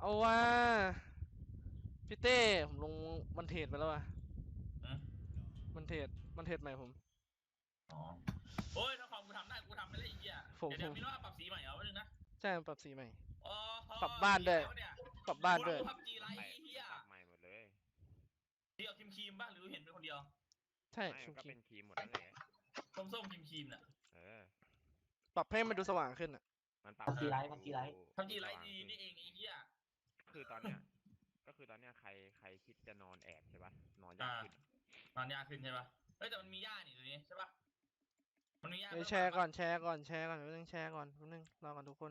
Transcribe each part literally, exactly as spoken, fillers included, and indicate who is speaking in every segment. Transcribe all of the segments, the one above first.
Speaker 1: เอาว่าพี่เต้ผมลงมันเทรดไปแล้วว่ะ
Speaker 2: อืม
Speaker 1: มันเทรดมันเทรดใหม่ผม
Speaker 2: อ๋อโอ้ยถ้าความกูทำได้กูทำไม่ได้อีกอ่ะ
Speaker 1: ผม
Speaker 2: เดี๋ยว
Speaker 1: ผม
Speaker 2: เดี๋ยวมีว่าปรับสีใหม่เหรอวะนึงนะ
Speaker 1: ใช่มันปรับสีใหม่
Speaker 2: อ๋อ
Speaker 1: ปรับบ้านด้วย
Speaker 2: สีอะไรวะเนี่ย
Speaker 1: ปรับบ้าน
Speaker 2: กู
Speaker 1: ด้วย
Speaker 2: รู้พับจีไร
Speaker 3: ไป
Speaker 2: เฮีย
Speaker 3: มันปรับใหม่หมดเลย
Speaker 2: ที่เอาครีมครีมป่ะหรือเห็นเป็นคนเดียว
Speaker 1: ใช่
Speaker 3: ไม่
Speaker 1: ชุ
Speaker 3: มันก็
Speaker 1: กิ
Speaker 3: เป็นครีมหมดนั่นแหละ
Speaker 2: ส้มส้มครีมครีมน่ะ
Speaker 3: เออ
Speaker 1: ปรับให้มันดูสว่างขึ้นอ่ะ
Speaker 3: มันปรับ
Speaker 4: พับจีไรพับจีไร
Speaker 2: พับจีไรดีนี่เองไอ้เหี้ย
Speaker 3: ก็คือตอนเนี้ยก็คือตอนเนี้ยใครใครคิดจะนอนแอบใช่ปะนอนยากขึ้น
Speaker 2: นอนยากขึ้นใช่ป่ะเฮ้ยแต่มันมีหญ้านี่ตัวนี้ใช่ป่ะมันมีหญ้า
Speaker 1: เดี๋ยวแชร์ก่อนแชร์ก่อนแชร์ก่อนแป๊บนึงแชร์ก่อนแป๊บนึงรอก่อนทุกคน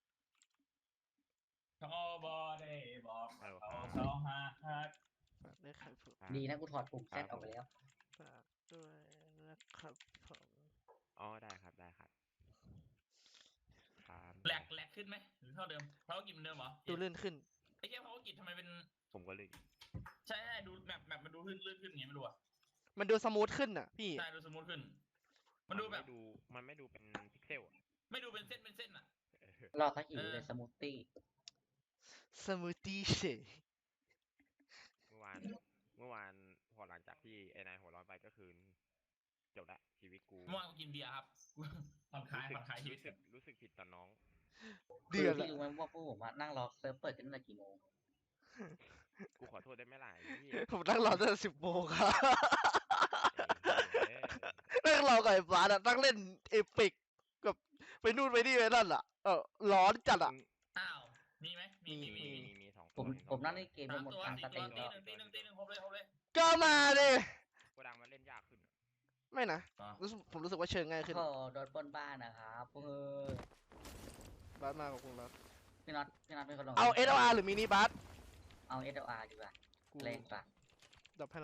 Speaker 2: เขาบอได้บอก
Speaker 3: ฮัลโหล
Speaker 2: เขา
Speaker 3: ครับ
Speaker 2: สองห้าห้า
Speaker 1: ฝากด้วยครับผม
Speaker 4: ดีนะกูถอดปุ่มแซดออกไปแล้ว
Speaker 1: ฝากด้วยนะครับผม
Speaker 3: อ๋อได้ครับได้ครับครับ
Speaker 2: แหลกแหลกขึ้นไหมหรือเท่าเดิมเพราะว่ากินเหมือนเดิมเหรอ
Speaker 1: ดูลื่นขึ้น
Speaker 2: ไอ้แค่เพราะว่ากินทำไมเป็น
Speaker 3: ผมก็เลย
Speaker 2: ใช่ใช่ดูแมปแมปมันดูลื่นลื่นขึ้นอย่างเงี้ยไม่รู้อ่ะ
Speaker 1: มันดูสมูทขึ้นอ่ะพี่
Speaker 2: ใช่ดูสมูทขึ้น มันดูแบบ
Speaker 3: ไม่ดูมันไม่ดูเป็นพิกเซลอะ
Speaker 2: ไม่ดูเป็นเส้นเป็นเส้นอ่ะ
Speaker 3: เออ
Speaker 4: รอสักอีกเลยสมูทตี้
Speaker 1: สมูทตี้เชค
Speaker 3: เมื่อวานเมื่อวานพอหลังจากที่ไอ้นายหัวร้อนไปก็คือจบละชีวิตกู
Speaker 2: เมื่อวานกูกินเบียร์ครับ ผ่อนคลาย
Speaker 3: รู้สึก
Speaker 2: ผ่อนคลายชีวิต
Speaker 3: รู้สึกรู้สึกผิดต่อน้อง
Speaker 1: เดือด
Speaker 4: พี่
Speaker 1: อะ
Speaker 4: รู้ไหมว่าพวกผมอะนั่งรอเซิร์ฟเปิดกันตั้งแต่กี่โมง
Speaker 3: กูขอโทษได้ไหมล่ะไอ้เหี้ย
Speaker 1: ผมนั่งรอตั้งแต่สิบโมงครับ
Speaker 3: ไอ้เหี้ย
Speaker 1: นั่งรอกับไอ้ฟ้าอะนั่งเล่นเอพิกกับไปนู่นไปนี่ไปนั่นอ่ะเออร้อนจัดอ่ะ
Speaker 2: อ้าว มีไหมมี
Speaker 3: มี
Speaker 2: มี
Speaker 3: มี
Speaker 2: มี
Speaker 3: มีมีสอง
Speaker 4: ผ
Speaker 3: ตัว
Speaker 4: ม
Speaker 3: มีสอง
Speaker 4: ผมนั่ง
Speaker 3: ตัว
Speaker 4: เล่นเกม
Speaker 2: สาม
Speaker 4: หมด
Speaker 2: ตัว
Speaker 4: กลาง
Speaker 2: สี่
Speaker 4: สต
Speaker 2: ตัว
Speaker 4: รีม
Speaker 2: ตี
Speaker 4: แล้ว
Speaker 2: หนึ่งตีหนึ่งตีหนึ่งครบเลยครบเลย
Speaker 1: ก็มาดิ
Speaker 3: โกดังมันเล่นยากขึ้นอะ
Speaker 1: ไม่นะ
Speaker 2: อ๋อ
Speaker 1: รู้สึกผมรู้สึกว่าเชิงง่ายขึ้น
Speaker 4: ก็โดนปล้นบ้านนะครับเออบ
Speaker 1: าสมากับคุณบาส
Speaker 4: พี่น็อตพี่น็อตเป็นคนลง
Speaker 1: เอา เอส แอล อาร์ หรือมินิบาส
Speaker 4: เอา เอส แอล อาร์ ดีกว่า
Speaker 1: กู
Speaker 4: แรงกว่า
Speaker 1: ดับให้ละ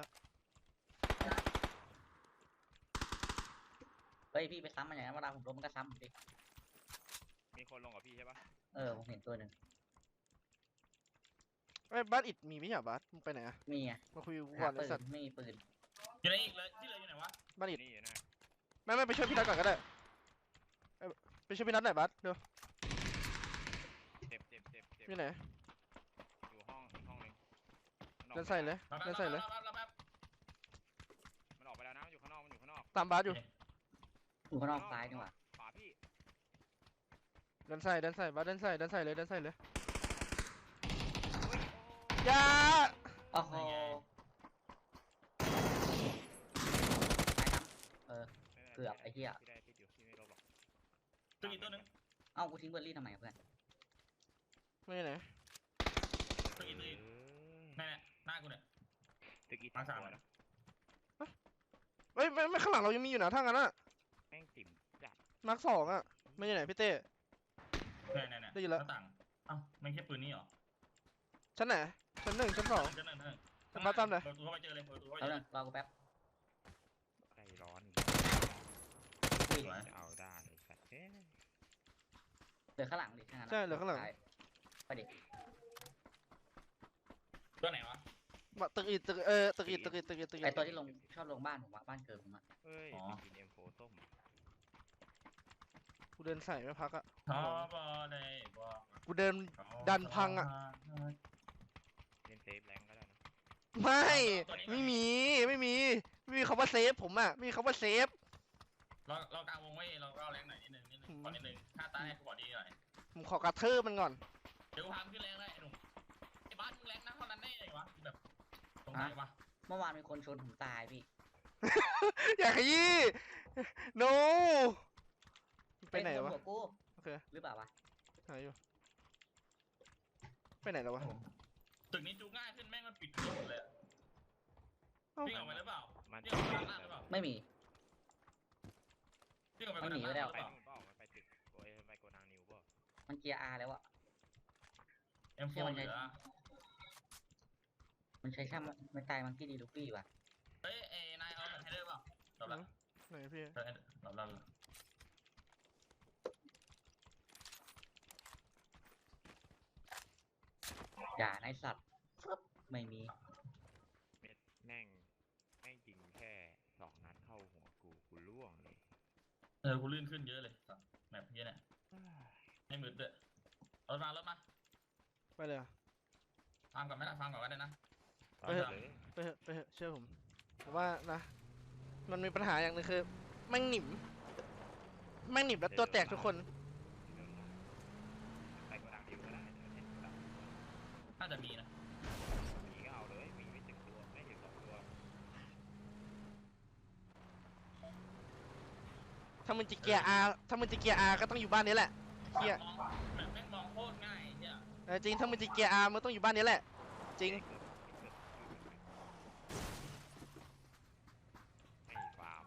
Speaker 4: เฮ้ยพี่ไปซ้ำมันอย่างนั้นเวลาผมล้มมันก็ซ้ำผมดิ
Speaker 3: มีคนลงกับพี่ใช่ปะ
Speaker 4: เออผมเห็นตัวหนึ่ง
Speaker 1: ไอ้ยบาสอิดมีไม่ใช่เหรอบาสมึงไปไหนอะ
Speaker 4: มีไง
Speaker 1: มาคุยกู
Speaker 4: หา
Speaker 1: ก่อนไอ้
Speaker 4: ปืน
Speaker 1: สัตว์
Speaker 4: ไม่มีปืน
Speaker 2: อยู่ไหนอีกเลยที่เหลืออยู่ไหนวะ
Speaker 1: บาสอิด
Speaker 3: นี่อยู่นะ
Speaker 1: ไม่ไม่ไปช่วยพี่นัทก่อนก็ได้เอ้ยไปช่วยพี่นัทหน่อยบาสเดี๋ยว
Speaker 3: เจ็บเจ็บเจ็บเจ็บ
Speaker 1: อยู่ไหน
Speaker 3: อยู่ห้องอีกห้องหนึงมันออก
Speaker 1: เดินใส่เลย
Speaker 2: รับแป๊บ
Speaker 1: เดินใส่เลย
Speaker 2: รับแป๊บรับแป๊บ
Speaker 3: มันออกไปแล้วนะมันอยู่ข้างนอกมันอยู่ข้างนอก
Speaker 1: ตามบาสอยู่
Speaker 4: อยู่ข้างนอกซ้ายดีกว่า
Speaker 3: ขวาพี่
Speaker 1: เดินใส่เดินใส่บาสเดินใส่เดินใส่เลยเดินใส่เลย
Speaker 3: เฮ้ย
Speaker 1: อยา
Speaker 4: โอ้โหเออ
Speaker 3: โอ้
Speaker 4: เกือบไอ้เหี้ย
Speaker 3: พี่ได้พี่อยู่พี่ไม่ลบหรอก
Speaker 2: ตัวอีกตัวหนึง
Speaker 4: เอ้ากูทิ้งเบอร์รี่ทำไมอะเพื่อน
Speaker 1: ไม่ไหน
Speaker 2: ตัวอีกตัวอีก
Speaker 3: เออ
Speaker 2: นั่นแหละหน้ากูเนี่ย
Speaker 3: ตึกอี
Speaker 2: มาสาม
Speaker 3: ตัวนะ
Speaker 1: เฮ้ยไม่ไม่ข้างหลังเรายังมีอยู่นะถ้างั้นอะ
Speaker 3: แม่งติ่มจัด
Speaker 1: มาร์คสองอะไม่ใช่ไหนพี่เต้
Speaker 2: เนี่ยเนี่ยเนี่ย
Speaker 1: ได้ยินแล้ว
Speaker 2: หน้าต่างเอ้าไม่ใช่ปืนนี่เหรอ
Speaker 1: ชั้นไหนชั้นหนึ่งชั้นสอง
Speaker 2: ชั้นหนึ่งชั้นหนึ่ง
Speaker 1: ผมมาตามหน่อย
Speaker 2: เปิดประตูเข้าไปเจอเลยเปิดประตูเข้าไป
Speaker 4: แล้ว
Speaker 2: เจอ
Speaker 4: นึ
Speaker 2: เลย
Speaker 4: งรอกูแป๊บ
Speaker 3: ใจร้อน
Speaker 4: อุ้ย
Speaker 2: สวย
Speaker 3: จะเอาได้ไอ้สัตว์เอ้ย
Speaker 4: เหลือข้างหลังดิถ้างั้นอะ
Speaker 1: ใช่เหลือข้างหลัง
Speaker 4: ซ้ยไปดิ
Speaker 2: ตัวไหนวะ
Speaker 1: มาตึกอิดตึกเออตึกอิดตึกอิดตึกอิดตึกอิ
Speaker 4: ไอ
Speaker 1: ด
Speaker 4: ตัวที่ลงชอบลงบ้านผมอะบ้านเกิดผมอะ
Speaker 3: เฮ้ย
Speaker 2: อ๋อ
Speaker 3: กินเอ็มโฟส้ม
Speaker 1: กูเดินใส่ไม่พักอะ
Speaker 2: ขอบอได้บอก
Speaker 1: กูเดิน ดันพังอะ
Speaker 3: เล่นเซฟแรงก็ได้นะ
Speaker 1: ไม่ไม่มีไม่มีไม่มีคำว่าเซฟผมอะไม่มีคำว่าเซฟ
Speaker 2: เราเรากลางวงไว้เราเราแรงหน่อยนิดนึงนิดนึง
Speaker 1: อืม
Speaker 2: ขอนิดนึงถ้าตายให้กูบอกดีหน่อย
Speaker 1: ผมขอกระเทือมันก่อน
Speaker 2: เดี๋ยวกูพามึงขึ้นแรงเลยไอ้หนุ่มไอ้บ้านมึงแรงนะเท่านั้นได้ไงวะแบบสงสัยวะ
Speaker 4: เมื่อวานมีคนชนผมตายพี่
Speaker 1: อย่าขยี้ no ไปไหน
Speaker 4: เฮ้ยว
Speaker 1: ะ
Speaker 4: หัวกู
Speaker 1: โอเค
Speaker 4: หรือเปล่าวะ
Speaker 1: หายอยู่ไปไหนแล้ววะ
Speaker 2: ตึกนี้จูง่ายขึ้นแม่งมันปิดตัวหมดเลยอะ
Speaker 1: เอ้า
Speaker 2: วิ่งออกไปหรือเปล่า
Speaker 3: มัน
Speaker 2: วิ่งออกไปทางล่างหรือเปล่า
Speaker 4: ไม่มี
Speaker 2: วิ่งออกไป
Speaker 4: มันหนี
Speaker 2: ทาง
Speaker 4: ไปแล้
Speaker 2: ล่าง
Speaker 4: ว
Speaker 2: หรือเปล่า
Speaker 3: ไปนู่นเปล่ามันไปตึกโอ้ยไปโกดังนิวเปล่า
Speaker 4: มันเกียร์อาร์แล้วอะ
Speaker 2: เอ็มโฟ
Speaker 4: เชื่อมัน
Speaker 2: เห
Speaker 4: ไง
Speaker 2: ลือ
Speaker 4: มันใช้ช่างไม่ตายมังกี้ดีลูฟี่ว่ะ
Speaker 2: เฮ้ยเอ้นายเอาแบบให้ด้วยเปล่าจบละ
Speaker 1: ไหนพี่
Speaker 2: เออจบละ
Speaker 4: อย่าในสัตว์ฟึบไม่มี
Speaker 3: เม็ดแม่งแม่งยิงแค่สองนัดเข้าหัวกูกูล่วงเลย
Speaker 2: เออกูลื่นขึ้นเยอะเลยแบบเนี้ยเนี่ยไม่มืดด้วยรถมารถมา
Speaker 1: ไปเลยอะ
Speaker 2: ฟังก่อนไหมล่ะฟังก่อนก็ได้นะ
Speaker 1: ไปเถอะ
Speaker 3: เลย
Speaker 1: ไปเถอะไปเถอะเชื่อผมผมว่านะมันมีปัญหาอย่างหนึงคือแม่งหนิมแม่งหนิมแล้วตัวแตกทุกคน
Speaker 3: ไปโกดังดิวก็ได้เดี๋ยวเห็นโกดังดิวก็
Speaker 2: น่าจะมีนะ
Speaker 3: มีก็เอาเลยมีไม่ถึงตัวไม่ถึงสองตัว
Speaker 1: ถ้ามึงจะเกียร์อาถ้ามึงจะเกียร์อาก็ต้องอยู่บ้านนี้แหละเฮีย
Speaker 2: มองแบบแม่งมองโคตรง่ายเฮีย
Speaker 1: เออจริงถ้ามึงจะเกียร์อามึงต้องอยู่บ้านนี้แหละจริง
Speaker 3: ไม่ฟาร์ม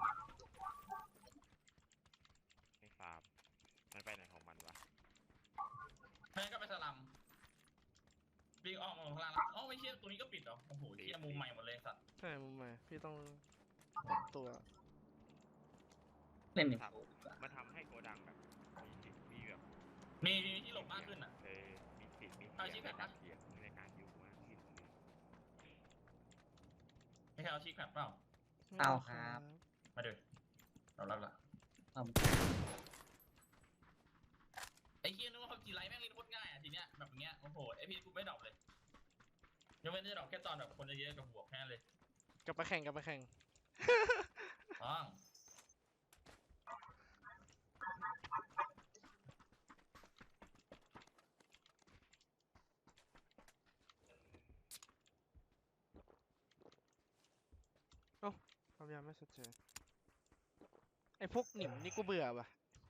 Speaker 3: ไม่ฟาร์มมันไปไหนของมันวะ
Speaker 2: แม่งก็ไปสลัมวิ่งออกมาข้างล่างแล้วอ๋อไม่เชี่ยตัวนี้ก็ปิดเหรอโอ้โหเชี่ยมุมใหม่หมดเลยสัตว์
Speaker 1: ใช่มึงมาพี่ต้องปรับตัว
Speaker 4: เล่นหนึ่ง
Speaker 3: มันทำให้โกดังแบบมีสิทธิ์มีแบบ
Speaker 2: มีมีที่หลบมากขึ้นอ่ะ
Speaker 3: เออมีสิทธิ์มี
Speaker 2: เอา
Speaker 3: เสี
Speaker 2: ชิ
Speaker 3: ยง
Speaker 2: ป
Speaker 3: ใน
Speaker 2: แบบ
Speaker 3: กา
Speaker 2: นั้
Speaker 3: ร
Speaker 2: น
Speaker 3: เสียงในการอยู่มากขึ้น
Speaker 2: ไม่ใช่เอาชิคแพดเปล่า
Speaker 4: เอาครับ
Speaker 2: มาดูเรารับละ
Speaker 4: เอา
Speaker 2: ไอ้เฮียนึกว่าเขาจีไรแม่งเล่นโคตรง่ายอ่ะทีเนี้ยแบบเนี้ยโอ้โหไอพีกูไม่ดรอปเลยยังไม่ได้ดรอปแค่ตอนแบบคนเยอะๆกับบวกแค่นั้นเลย
Speaker 1: กลับมาแข่งกลับมาแข่ง
Speaker 2: อ๋อ
Speaker 1: ความยาวไม่ชัดเจนไอ้พวกหนิมนี่กูเบื่อว่ะ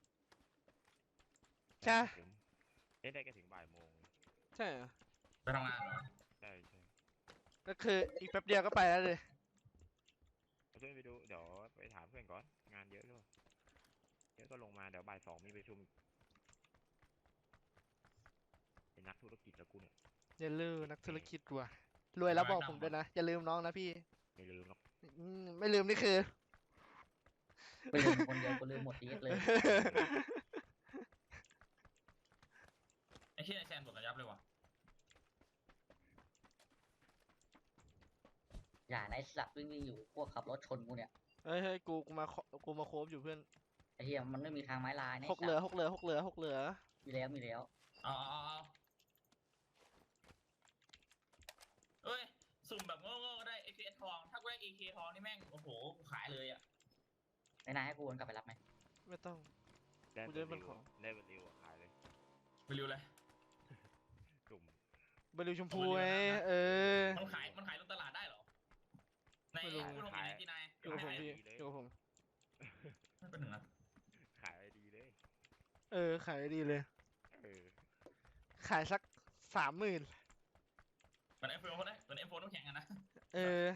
Speaker 1: ใช่
Speaker 3: ผมเล่นได้แค่ถึงบ่ายโมง
Speaker 1: ใช่เหรอ
Speaker 2: ไปทำงานเหรอ
Speaker 3: ใช่ใช่
Speaker 1: ก็คืออีกแป๊บเดียวก็ไปแล้วเลย
Speaker 3: เอาเพื่อนไปดูเดี๋ยวไปถามเพื่อนก่อนงานเยอะหรือเปล่าเยอะก็ลงมาเดี๋ยวบ่ายสองมีประชุมเป็นนักธุรกิจแล้วกูเนี่ย
Speaker 1: อย่าลืมนักธุรกิจว่ะรวยแล้วบอกผมด้วยนะอย่าลืมน้องนะพี่
Speaker 3: ไม่ลืมหรอก
Speaker 1: อืมไม่ลืมนี่คือ
Speaker 4: ไปลืมคนเดียวก็ลืมหมดทีเลย
Speaker 2: ไอ้เฮียไอแซนบวกกันยับเลยว่ะ
Speaker 4: อย่าในสัตว์วิ่งวิ่งอยู่พวกขับรถชนกูเนี่ย
Speaker 1: เฮ้ยเฮ้ยกูกูมาเคาะกูมาโคบอยู่เพื่อน
Speaker 4: ไอ้เหี้ยมันไม่มีทางไม้ลายนะ
Speaker 1: หกเหลือหกเหลือหกเหลือหกเหลือ
Speaker 4: มีแล้วมีแล้ว
Speaker 2: เอาเอาเอาเอ้ยสุ่มแบบโง่ๆก็ได้ เอ เค ทอง ถ้ากูได้ เอ เค ทองนี่แม่งโอ้โหกูขายเลยอ่ะ
Speaker 4: ไอ้นายให้กูวนกลับไปรับไหม
Speaker 1: ไม่ต้อง
Speaker 3: ได้
Speaker 1: กู
Speaker 3: เบอ
Speaker 1: จะ
Speaker 3: ร์
Speaker 1: เป็น
Speaker 3: ริว
Speaker 1: ของ
Speaker 3: ได้เบอร์ริวอะขายเลย
Speaker 2: ไปริวเลย
Speaker 3: กลุ่ม
Speaker 1: บริวชมพู
Speaker 2: เอาบ
Speaker 1: ไง
Speaker 2: ริวนะ
Speaker 1: เออ
Speaker 2: มันขายมันขายลงตลาดได้เหรอ ใน
Speaker 1: ไม่รู้
Speaker 2: พูดตรงนี้ที่นาย
Speaker 1: อยู่กับผมพี่อยู่กับผม
Speaker 2: ไม่เป็นหนึ่งนะ
Speaker 3: ขายไอดีเลย
Speaker 1: เออขายดีเลย
Speaker 3: เออ
Speaker 1: ขายสักสามหมื่น
Speaker 2: เหมือนไอโฟนนะเหมือนไอโฟนต้องแข่งกันนะ
Speaker 1: เออ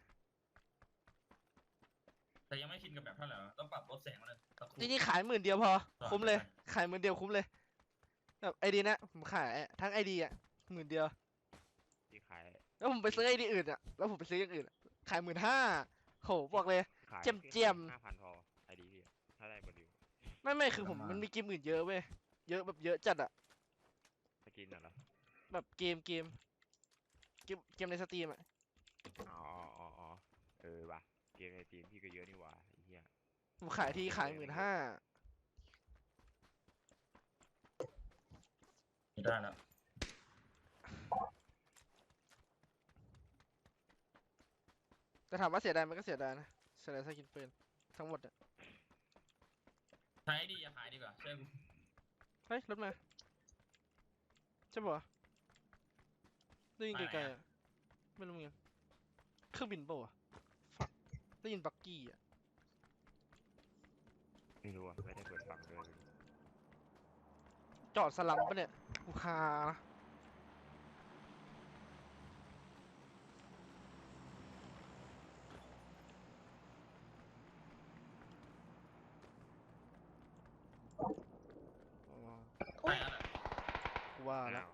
Speaker 2: แต่ยังไม่ชินกับแบบเท่าไหร่วะต้องปรับลดแสงมาเลยสักครู่
Speaker 1: จริงๆขายหมื่นเดียวพอ
Speaker 2: ต่อ
Speaker 1: คุ้มเลย
Speaker 2: ไป
Speaker 1: ขายหมื่นเดียวคุ้มเลยแบบไอดีนะผมขายทั้งไอดีอ่ะหมื่นเดียว
Speaker 3: ที่ขาย
Speaker 1: แล้วผมไปซื้อไอดีอื่นอ่ะแล้วผมไปซื้ออย่างอื่นอะขายหมื่นห้าโหบอกเลย
Speaker 3: ขาย
Speaker 1: เจียมเจียม
Speaker 3: ห้าพันพอไอดีพี่อะถ้าได้เบอร์ริว
Speaker 1: ไม่ไม่คือผมมันมีเกมอื่นเยอะเว้ยเยอะแบบเยอะจัดอ่ะ
Speaker 3: สกินน่ะเหรอ
Speaker 1: แบบเกมเกมเกมเกมในสตรีมอ่ะ
Speaker 3: อ๋ออ๋ออ๋อเออว่ะเกมในทีมพี่ก็เยอะนี่หว่าไอ้เหี้ย
Speaker 1: ผมขายที่ขายหมื่นห้า
Speaker 2: ไม่ได้แล้ว
Speaker 1: แต่ถามว่าเสียดายมันก็เสียดายนะเสียดายสกินปืนทั้งหมดอ่ะ
Speaker 2: ใช้ดีอย่าขายดีกว่าเชื่อกู
Speaker 1: เฮ้ยรถมาใช่ปะวะได้ยินไกลๆอ่ะไม่รู้เหมือนกันเครื่องบินปะวะฟักได้ยินบักกี้อ่ะ
Speaker 3: ไม่รู้อ่ะไม่ได้เปิดฟังเลย
Speaker 1: จอดสลัมปะเนี่ยกูคานะอ๋อ
Speaker 2: ใช่แล้วแหละ
Speaker 1: กูว่าแล้ว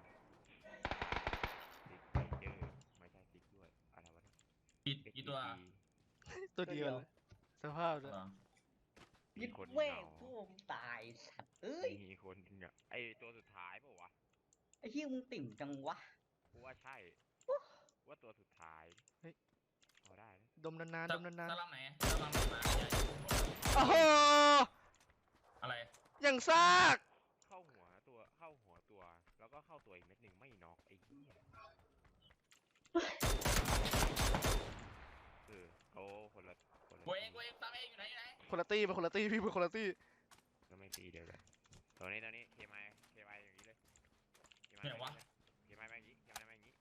Speaker 3: ติ๊กเจอไม่ใช่ติ๊กด้วยอะไรวะเนี่ย
Speaker 2: กี่กี่ตัว
Speaker 1: ตัวเดียวเลยสภาพเลย
Speaker 2: เหรอ
Speaker 3: มีคนเห
Speaker 4: แม่ง
Speaker 3: งา
Speaker 4: พวกมึงตายสัตว์เอ้ย
Speaker 3: มีคนเหงาไอตัวสุดท้ายเปล่าวะ
Speaker 4: ไอ้เหี้ยมึงติ่มจังวะ
Speaker 3: กูว่าใช่ว่าตัวสุดท้ายเอาได้นะ
Speaker 1: ดมนานๆดมนาน
Speaker 2: สลัมไหนสลัมมาใหญ่
Speaker 1: ๆโอ้โห
Speaker 2: อะไร
Speaker 1: อย่างซาก
Speaker 3: เข้าหัวตัวเข้าหัวตัวแล้วก็เข้าตัวอีกเม็ดหนึ่งไม่น็อกไอ้เหี้ยเออเขาคนละคนละ
Speaker 2: กูเองกูเองตามเองอยู่ไหนอยู่ไหน
Speaker 1: คนละตี้เป็นคนละตี้พี่เป็นคนละตี้
Speaker 3: ก็ไม่ตีเดียวกันตัวนี้ตัวนี้เคมายเคมายอย่างนี้เลยเคมาย
Speaker 2: ไหนวะ
Speaker 3: เคมายมาอย่างนี้เคมายมาอย่างนี้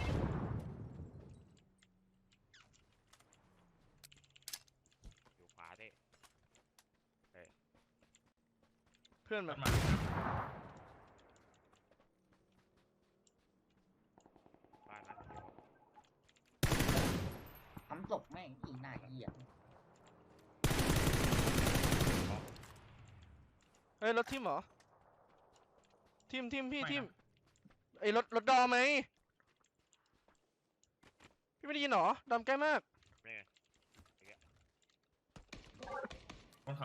Speaker 3: อยู่ขวาเต้
Speaker 1: เพื่อน
Speaker 2: ร
Speaker 1: มา
Speaker 2: ถมา
Speaker 3: บ้านนั้นเดียว
Speaker 4: ทำศพแม่งอีหน้าเหี้ย
Speaker 1: เฮ้ยรถทิมเหรอทิมทิมพี่ทิมไอ้รถรถดอมไหมพี่ไม่ได้ยินเหรอดอมใกล้มาก
Speaker 3: นี่ไง
Speaker 2: บนเขา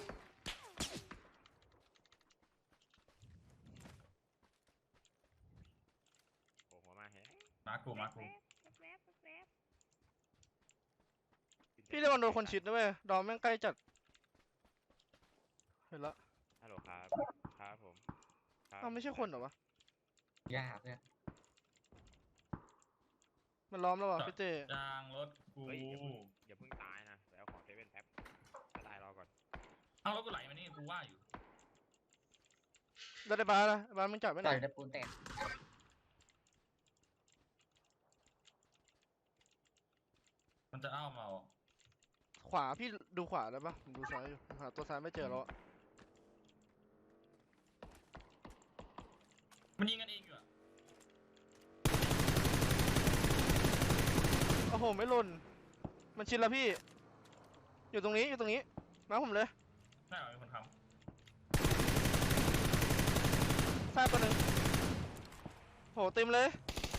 Speaker 3: โผล่หัวมาเฮ้ย
Speaker 2: มากูมากู
Speaker 1: พี่ระวังโดนคนชิดนะเว้ยดอมแม่งใกล้จัดเห็นละ
Speaker 3: ฮัลโหลครับครับผมครับ
Speaker 1: อ้าวไม่ใช่คนเหรอวะ
Speaker 4: ยากเลย
Speaker 1: มันล้อมแล้ววะพี่เต้
Speaker 2: ยางรถกู
Speaker 3: เฮ้ยอย่าเพิ่งอย่าเพิ่งตายนะไปเอาของเซเว่นแป๊บถ้าตายรอก่อน
Speaker 2: เอารถกูไหลมานี่กูว่าอยู่
Speaker 1: แล้วได้บาร์ละบาร์มึงจับไว้ไหน
Speaker 4: ต่อยตะปูนแตก
Speaker 2: มันจะเอามาเอา
Speaker 1: ขวาพี่ดูขวาได้ปะผมดูซ้ายอยู่ผมหาตัวซ้ายไม่เจอแล้วอะ
Speaker 2: มันยิงกันเองอยู่อะ
Speaker 1: โอ้โหไม่หล่นมันชิดแล้วพี่ อยู่ตรงนี้อยู่ตรงนี้มาผมเลย
Speaker 2: น่าจะมีคนท
Speaker 1: ทราบตัวหนึ่งโหเต็มเลย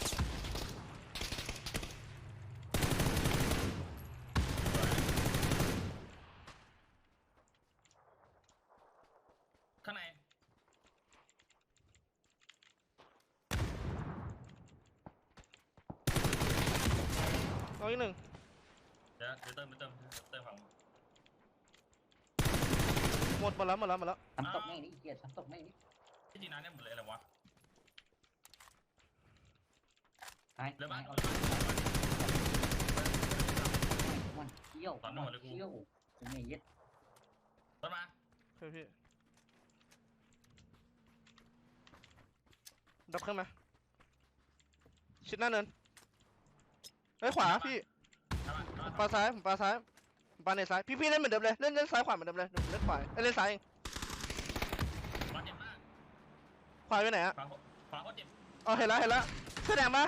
Speaker 2: ำข้างใน
Speaker 1: เอาอีกหนึ่ง
Speaker 2: เดี๋ยวเดี๋ยวเติมเติมเติมฝั่ง
Speaker 1: หมดหมดแล้วหมดแล้วหมดแล้ว
Speaker 4: ทำศพแม่งนี่เหี้ยทำศพแม่งนี่
Speaker 2: ที่จริงน้ำเนี่ยหมดเลยอะไรวะ
Speaker 4: หาย
Speaker 2: เหลือบ้าน
Speaker 4: หาย
Speaker 2: เหลือบ้าน
Speaker 4: มันเที่ยว
Speaker 2: ตอนนั้นหมดเลยกู
Speaker 4: เที่ยวกูไม่เย็ด
Speaker 2: รถมา
Speaker 1: โอเคพี่ดับเครื่องมาชิดหน้าเนินเฮ้ยขวาพี่
Speaker 2: เอามาเอา
Speaker 1: ผม
Speaker 2: มา
Speaker 1: ปาซ้ายผมปาซ้ายผมปาเนตซ้ายพี่พี่เล่นเหมือนเดิมเลยเล่นเล่นซ้ายขวาเหมือนเดิมเลยเดี๋ยวผมเล่นขวาเอ้ยเล่นซ้ายเอง
Speaker 2: บาดเจ็บมาก
Speaker 1: ขวาไปไหนอะ
Speaker 2: ขวาขวาโคตรเจ็บ
Speaker 1: อ๋อเห็นแล้วเห็นแล้วเสื้อแดงปะ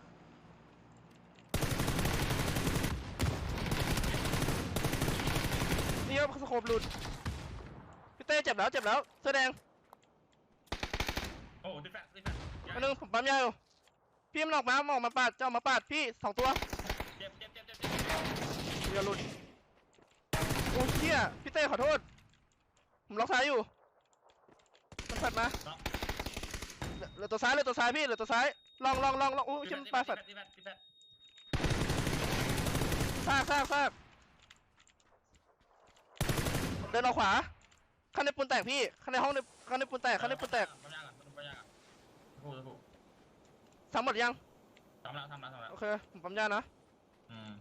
Speaker 1: นี่ครับสโคปหลุดพี่เต้เจ็บแล้วเจ็บแล้วเสื้อแดง
Speaker 2: โอ้ติดแฟลชติดแฟลช
Speaker 1: อันนึงผมปั๊มยาอยู่พี่มันออกมามันออกมาปาดจะออกมาปาดพี่สองตัว
Speaker 2: เจ็บเจ็บเจ็บเจ็บเจ็บ
Speaker 1: อย่าหลุดโอ้เชี่ยพี่เต้ขอโทษผมล็อกซ้ายอยู่มันผัดมาเหลือเหลือตัวซ้ายเหลือตัวซ้ายพี่เหลือตัวซ้ายลองลองลองลองโอ้ย
Speaker 2: ติด
Speaker 1: เชี่ย
Speaker 2: แฟ
Speaker 1: มัน
Speaker 2: ล
Speaker 1: ปลา
Speaker 2: ช
Speaker 1: ฝัด
Speaker 2: ติดแฟลชติดแฟลช
Speaker 1: ซากซากซากเดินออกขวาข้างในปูนแตกพี่ข้างในห้องในข้างในปูนแตกข้างในปูนแตก
Speaker 2: ปั๊มยาก่อนปั๊มยาก่อนสักครู่สักครู่
Speaker 1: ทำหมดยัง
Speaker 2: ทำแล้วทำแล้วทำแล้ว
Speaker 1: โอเคผมปั๊มยานะ
Speaker 2: อืม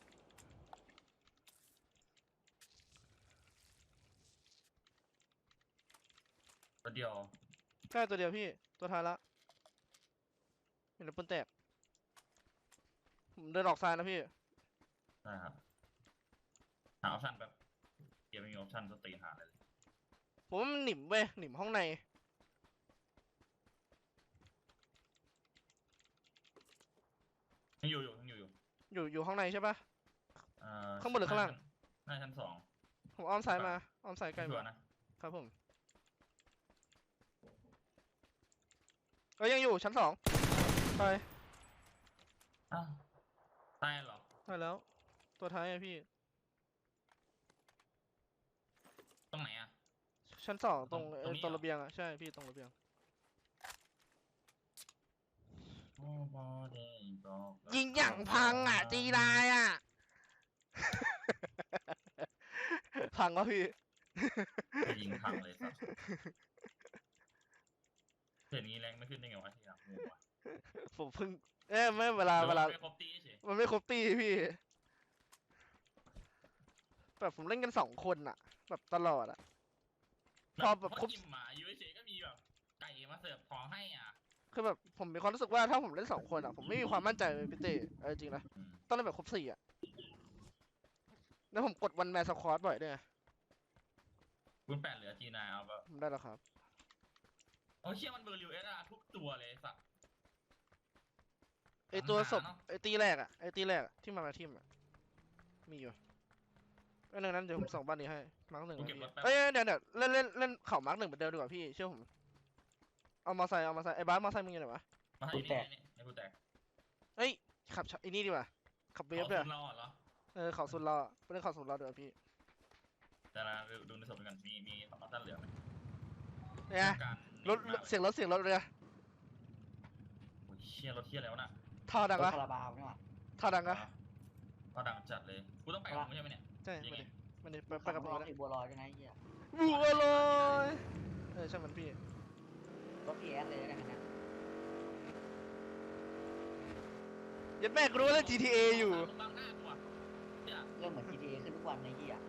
Speaker 2: ตัวเดียว
Speaker 1: ใกล้ตัวเดียวพี่ตัวท้ายละเห็นในปูนแตกผมเดินออกซ้ายนะพี่
Speaker 2: ได้ครับหาออปชั่นแบบเกมไม่มีออปชั่นสตรีนหาเลย
Speaker 1: ผมว่ามันหนิมเว้ยหนิมห้องใน
Speaker 2: ยังอยู่อยู่ยังอยู่อยู่
Speaker 1: อยู่อยู่ห้องในใช่ปะ
Speaker 2: เอ่อ
Speaker 1: ข้างบนหรือข้างล่าง
Speaker 2: น่าจะชั้นสอง
Speaker 1: ผมอ้อมซ้ายมาอ้อมซ้ายใกล้
Speaker 2: ชัว
Speaker 1: มา
Speaker 2: ร์นะครับ
Speaker 1: ผมเอ้ยยังอยู่ชั้นสองไป
Speaker 2: อ้าวตายเหรอ
Speaker 1: ไปแล้วตัวท้ายอะพี่
Speaker 2: ตรงไหนอ่ะ
Speaker 1: ชั้นสองตรง
Speaker 2: ตรง
Speaker 1: เอ่อ
Speaker 2: นี้
Speaker 1: ตรง
Speaker 2: เหรอ
Speaker 1: ระเบียงอะใช่พี่ตรงระเบียง
Speaker 2: โอ้บอเดย์บอก
Speaker 1: ยิงอย่างพังอ่ะจีนายอ่ะ พังวะพี่
Speaker 2: จะยิงพังเลยสัสเห็นงี้แรงไม่ขึ้นได้ไงวะที่อยากงูวะ
Speaker 1: ผมเพิ่งเอ้ยไม่เวลา
Speaker 2: หรือ
Speaker 1: เวลา
Speaker 2: ไม่ครบตีเฉย
Speaker 1: มันไม่ครบตีพี่แบบผมเล่นกันสองคนอะแบบตลอดอะ พอแบบครบ
Speaker 2: อิ่มหมาอยู่เฉยๆก็มีแบบไก่มาเสิร์ฟของให้อ่ะ
Speaker 1: คือแบบผมมีความรู้สึกว่าถ้าผมเล่นสองคนอะผมไม่มีความมั่นใจเลยพี่เต้เอาจริงๆนะ
Speaker 2: อืม
Speaker 1: ต้องเล่นแบบครบสี่อะแล้วผมกดวันแมนสควอตบ่อยด้วยไง
Speaker 2: คุณแปดเหลือทีนายเอาแบบ
Speaker 1: ผมได้แล้วครับ
Speaker 2: โอ้เชี่ยมันเบอร์ริวเอสอาร์ทุกตัวเลยไอ้สัตว์
Speaker 1: ไอตัวศพ
Speaker 2: หาเนอะ
Speaker 1: ไอตีแรกอะไอตีแรกอะที่มามาทิมอะมีอยู่อันนั้นเดี๋ยวผมส่งบ้านนี้ให้มาร์กหนึ่ง
Speaker 2: กู
Speaker 1: นะ
Speaker 2: เก็บ
Speaker 1: พี่
Speaker 2: รถแป๊บ
Speaker 1: เอ้ยเดี๋ยวเดี๋ยวเล่นเล่นเล่นเข่ามาร์กหนึ่งเหมือนเดิมดีกว่าพี่เชื่อผมเอามาใส่เอามาใส่ไอ้บ้าสมาใส่มึงอยู่ไหนวะ
Speaker 2: มาให้นี่นี่นี่กูแตก
Speaker 1: เอ้ยขับไอ้นี่ดีกว่าขับเวฟด้วย
Speaker 2: อาคุณรอดเหรอ
Speaker 1: เออเขาสุดรอไปเล่นเขาสุดรอดีกว่าพี่
Speaker 2: แต่ละดูในศพกันมีมีของท่านเหลือไหม
Speaker 1: เนี่ย
Speaker 2: การ
Speaker 1: รถรถเสียงรถเสียงรถเลยอะ
Speaker 2: โอ้ยเชี่ยรถเที่ยแล้วน่ะ
Speaker 1: ท่อดัง
Speaker 4: รถ
Speaker 1: อะ
Speaker 4: คาราบาวนี่หว่า
Speaker 1: ท่อดังอะ
Speaker 2: ก็ดังจัดเลยกูต้องไปกับมึงใช่ไหมเนี่ย
Speaker 1: ใช่
Speaker 2: ยัง
Speaker 1: มา
Speaker 2: ไง
Speaker 1: ดิมาดิไปไปกับผม
Speaker 4: รถ
Speaker 1: เลย
Speaker 4: ติดบัวลอยด้วยนะไอ้เหี้ย
Speaker 1: บัวลอยเออใช่มันพี่
Speaker 4: รถพีเอสเลยนะเนี่ย
Speaker 1: ยัดแม่กูรู้ว่าเล่น จี ที เอ อยู่
Speaker 2: ตรงบังหน้ากูอ่ะเนี่ย
Speaker 4: เรื่องเหมือน จี ที เอ ขึ้นทุกวันในเหี้ย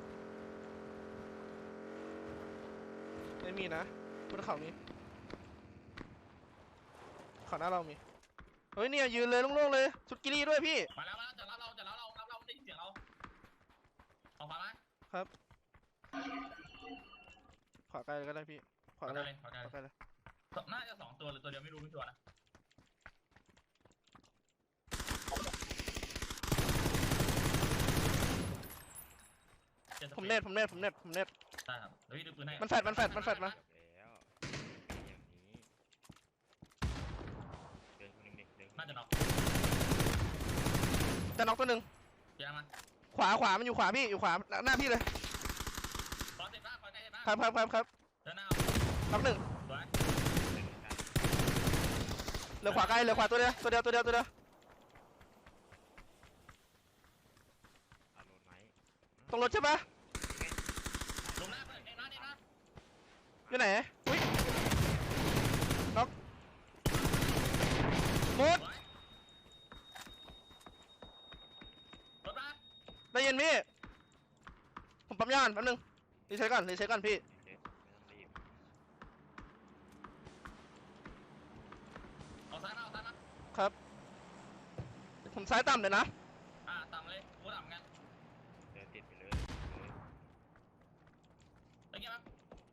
Speaker 1: ไม่มีนะบนเขามีเขาหน้าเรามีเฮ้ยเนี่ยยืนเลยโล่งๆเลยชุดกิลี่ด้วยพี่
Speaker 2: มาแล้วมาแล้วจะรับเราจะรับเรารับเราได้ยินเสียงเราเอาฟังไหม
Speaker 1: ขวาไกลเลยก็ได้พี่ขวา
Speaker 2: ขอ
Speaker 1: ไกล
Speaker 2: กันเลยขอกัน
Speaker 1: ขวาไกลเลย
Speaker 2: น่าจะสองตัวหรือตัวเดียวไม่รู้ไม่ชัวร์นะ
Speaker 1: ผมเน็ตผมเน็ตผมเน็ตผมเน็ต
Speaker 2: ได้ครับเดี๋ยวพี่ดูปืนให้
Speaker 1: มันแฟดมันแฟดมันแฟดมา
Speaker 3: จบแล้วเป็นอย่างนี้เดินคนหนึ่งเด็กเดินคนห
Speaker 2: น่า
Speaker 3: นึ่ง
Speaker 2: จะน็อก
Speaker 1: จะน็อกตัวหนึ่ง
Speaker 2: เดี๋ยวมา
Speaker 1: ขวาขวามันอยู่ขวาพี่อยู่ขวาหน้าพี่เลย
Speaker 2: ขอเสร็จบ้างขอใกล้เสร็จบ้าง
Speaker 1: ครับครับครับครับ
Speaker 2: เดินหน้า
Speaker 1: น็อกหนึ่ง
Speaker 2: สวย
Speaker 1: เหลือขวาไกลเหลือขวาตัวเดียวตัวเดียวตัวเดียวตัวเดียว
Speaker 3: เอาโดนไหม
Speaker 1: ตรงรถใช่ปะ
Speaker 2: ลงหน้าเปิดเอ็นนะเอ็นนะ
Speaker 1: อยู่ไหนอุ้ยน็อกหมด
Speaker 2: สวยรถมา
Speaker 1: ได้ยินพี่ผมปั๊มยานแป๊บนึงรีเซ็ตก่อนรีเซ็ตก่อนพี่
Speaker 3: เด็กไม่ต้องรีบ
Speaker 2: เอาซ้ายมาเอาซ้ายมา
Speaker 1: ผมซ้ายต่ำเลยนะ
Speaker 2: อ่าต่ำเลยกูต่ำกัน
Speaker 3: เดินติดไปเลยเลย
Speaker 2: ตะเกียบ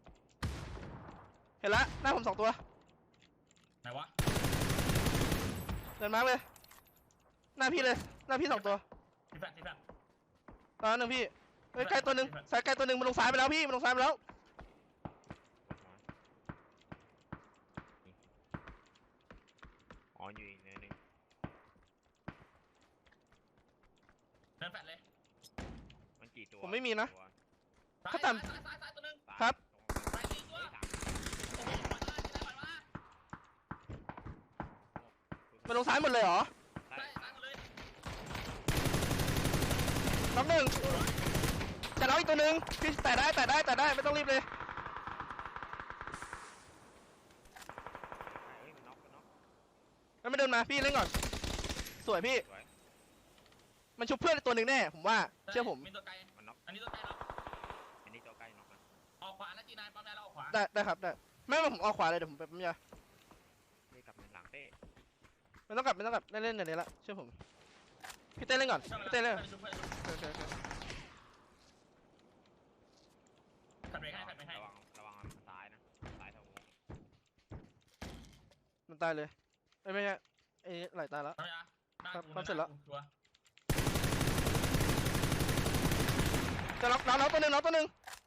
Speaker 1: เห็นละหน้าผมสองตัว
Speaker 2: ไหนวะ
Speaker 1: เดินมาร์กเลยหน้าพี่เลยหน้าพี่สองตัว
Speaker 2: ทีแฟนทีแฟน
Speaker 1: ตอนหนึ่งพี่เฮ้ยใกล้ตัวหนึ่งซ้ายใกล้ตัวหนึ่งมันลงซ้ายไปแล้วพี่มันลงซ้ายไปแล้ว
Speaker 3: อ๋ออยู่อีกเนินหนึง
Speaker 2: เดินแฟนเลย
Speaker 3: มันกี่ตัว
Speaker 1: ผมไม่มีนะ
Speaker 3: ตัว
Speaker 2: ซ้าย
Speaker 1: ถ้าต่ำ
Speaker 2: ซ้ายซ้ายซ้ายตัวหนึง
Speaker 3: สาม
Speaker 1: ครับ
Speaker 2: ซ้ายอีกตัว
Speaker 3: เฮ้ยสาม
Speaker 2: โอ้โหปล่อยมาที่ไหนปล่อยมา
Speaker 1: มันลงซ้ายหมดเลยเหรอ
Speaker 3: ใช่
Speaker 2: ใช่ซ้ายหมดเลย
Speaker 1: น็อกหนึ่งจะน็อกอีกตัวหนึ่งพี่แต่ได้แต่ได้แต่ได้ไม่ต้องรีบเลย
Speaker 3: เฮ้ยมันน็อกมันน็อก
Speaker 1: แล้วไม่เดินมาพี่เล่นก่อนสวยพี่
Speaker 3: สวย
Speaker 1: มันชุบเพื่อนอีกตัวหนึ่งแน่ผมว่าเชื่อผม
Speaker 2: มีตัวไกล
Speaker 3: มันน็อก
Speaker 2: อันนี้ตัวไกลเนาะ
Speaker 3: อันนี้ตัวใกล้น็อกนะ
Speaker 2: ออกขวานะจีนายปั๊มได้แล้วออกขวา
Speaker 1: ได้ได้ครับได้ไม่ไม่ผมออกขวาเลยเดี๋ยวผมไปปั๊มยา
Speaker 3: เฮ้ยกลับมาหลังเต้
Speaker 1: ไม่ต้องกลับไม่ต้องกลับเล่นเล่นเดี๋ยวนี้ละเชื่อผมพี่เต้เล่นก่อนพี่เต้เล่นก่อน
Speaker 2: ชุบเพื่อนชุบ
Speaker 1: โอเคโอเคโอเค
Speaker 2: ขัดเบรกให้ขัดเบรกให้
Speaker 3: ระวังระวังซ้ายนะซ้ายทางวง
Speaker 1: มันตายเลยเอ้ยไม่ใช่ไอ้ไหลตายแล้ว
Speaker 2: ทำไมอ่ะหน้า
Speaker 1: ครับ
Speaker 2: กู
Speaker 1: ครับเสร็จแล้ว
Speaker 2: ชัวร์
Speaker 1: จะน็อกน็อกน็อกตัวหนึ่งน็อกตัวหนึ่ง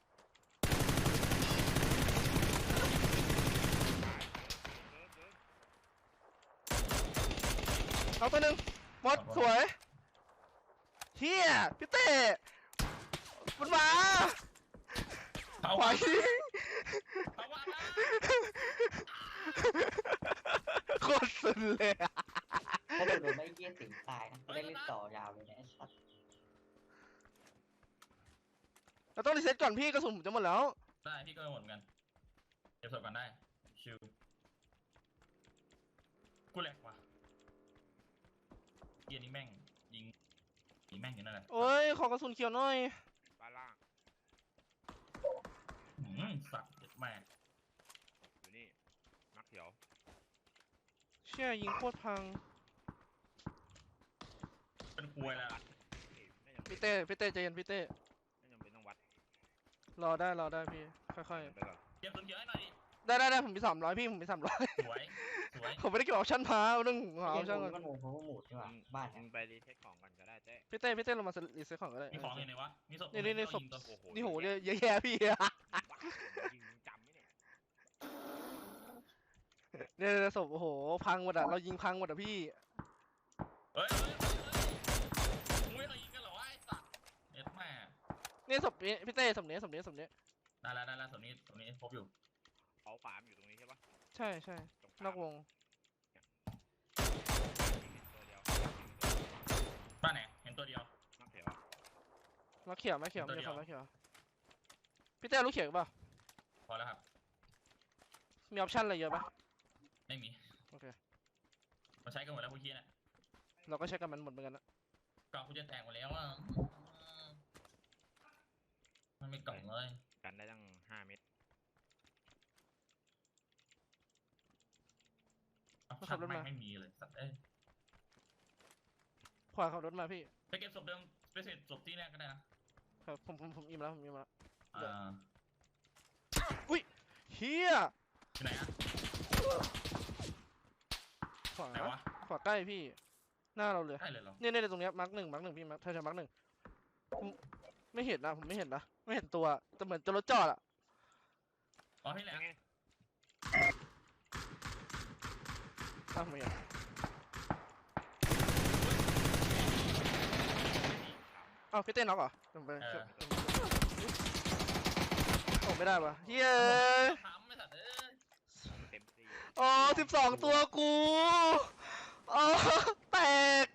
Speaker 3: เดินเดิน
Speaker 1: น็อกตัวหนึ่งหมดสวยเฮียพี่เต้มันมา
Speaker 2: เอา
Speaker 1: ขวา
Speaker 2: ว่า
Speaker 1: ยิง
Speaker 2: เอาว่ามา
Speaker 1: โคตรสุดเลยอะ
Speaker 4: ถ้าเกิดโดนไม่เยี่ยสิงตายนะไม่ได้เล่นต่อยาวเลยเนี่ยไอ้สัส
Speaker 1: เราต้องรีเซ็ตก่อนพี่กระสุนผมจะหมดแล้ว
Speaker 2: ได้พี่ก็หมดเหมือนกันเก็บศพกันได้ชิวกูแหลกว่ะเกียร์นี้แม่งยิงยิงแม่งอยู่นั่นแหละ
Speaker 1: โอ้ยขอกระสุนเขียวหน่อย
Speaker 3: บ้านล่าง
Speaker 2: หืมสัตว์เด็ดแม่ง
Speaker 3: อยู่นี่มักเขียว
Speaker 1: เชี่ยยิงโคตรพัง
Speaker 2: เป็นควยแล้ว
Speaker 3: ไม่จำเป็น
Speaker 1: พี่เต้พี่เต้ใจเย็นพี่เต้
Speaker 3: ไม่จำเป็นต้องวัด
Speaker 1: รอได้รอได้พี่ค่อย
Speaker 3: ไปก่อน
Speaker 2: เกียร์ตัวเขียวให้หน่อยดิ
Speaker 1: ๆได้ได้ได้ผมมีสามร้อยพี่ผมมีสามร้อย
Speaker 2: สวยสวย
Speaker 1: ผมไม่ได้เก็บออปชั่นพาเรื่องของออปชั่นก่อน
Speaker 4: มันโอ้โหหมูใช่ป่ะ
Speaker 3: มึง
Speaker 4: บ้าน
Speaker 3: มึงไปรีเซ็ตของกันก็ได้เจ๊
Speaker 1: พี่เต้พี่เต้ลงมารีเซ็ตของก็ได้
Speaker 2: มีของอยู่ไหนวะมีศพ
Speaker 1: นี่นี่นี่ศพ
Speaker 2: ยิงตัว
Speaker 3: โอ้โห
Speaker 1: นี่โหเยอะเยอะแยะพี่
Speaker 3: บ้ายิงมึงจำไหมเนี่ย
Speaker 1: เนี่ยเนี่ยศพโอ้โหพังหมดอะเรายิงพังหมดอะพี่
Speaker 2: เฮ้ยเฮ้ยเฮ้ยเฮ้ยมึงไม่เคยยิงกันเหรอวะไอ้สัตว์เด็ดแม่ง
Speaker 1: นี่ศพนี้พี่เต้ศพนี้ศพนี้ศพนี้
Speaker 2: ได้แล้วได้แล้วส่วนนี้ส่วนนี้พบอยู่
Speaker 3: เขาขวามนอยู่ตรงนี้ใช่ปะ
Speaker 1: ใช่ใช่
Speaker 3: ตรง
Speaker 1: นอกวง
Speaker 3: ตัวเดียว
Speaker 2: บ้านไหนเห็นตัวเดียว
Speaker 3: มักเขียว
Speaker 1: มาเขียวมาเขียว
Speaker 2: ตัว
Speaker 1: มี
Speaker 2: เดียว
Speaker 1: คนมาเขียวพี่เต้รู้เขียวเปล่า
Speaker 2: พอแล้วครับ
Speaker 1: มีออปชั่นอะไรเยอะปะ
Speaker 2: ไม่มี
Speaker 1: โอเค
Speaker 2: มาใช้กันหมดแล้วพวกเฮียเนี่ย
Speaker 1: เราก็ใช้กันมันหมดเหมือนกันนะ
Speaker 2: กล่องกูจะแตกหมดแล้วอ่ะมันไม่กล่องเลย
Speaker 3: กันได้ตั้งห้าเมตร
Speaker 2: เอาชักแม่งไม่มีเลยสัตว์เอ้ย
Speaker 1: ขวาขับรถมาพี่
Speaker 2: ไปเก็บศพเดิมไปเสร็จศพที่แรกก็ได้นะครับ
Speaker 1: ผมผมผมอิ่มแล้วผมอิ่มแล้ว
Speaker 2: อ่า
Speaker 1: เฮีย
Speaker 2: ที่ไหนอ่ะ
Speaker 1: ขวา
Speaker 2: ไหนวะ
Speaker 1: ขวาใกล้พี่ หน้าเราเลย
Speaker 2: ใช่เลยเหรอ
Speaker 1: เนี่ยเนี่ยตรงเนี้ยมาร์กหนึ่งมาร์กหนึ่งพี่มาร์กเธอจะมาร์กหนึ่งผมไม่เห็นนะผมไม่เห็นนะไม่เห็นตัวแต่เหมือนจะรถจอดอะ
Speaker 2: อ๋อที่ไหน
Speaker 3: ยังไง
Speaker 1: อ้าวไม่เห็นอ้าวพี่เต้นน็อกเหรอลงไปโอ้ไม่ได้วะเฮ้ย
Speaker 2: ถามไม่สัตว์เอ้ย
Speaker 3: เต็มที่
Speaker 1: อ๋อสิบสองตัวกูอ๋อแตก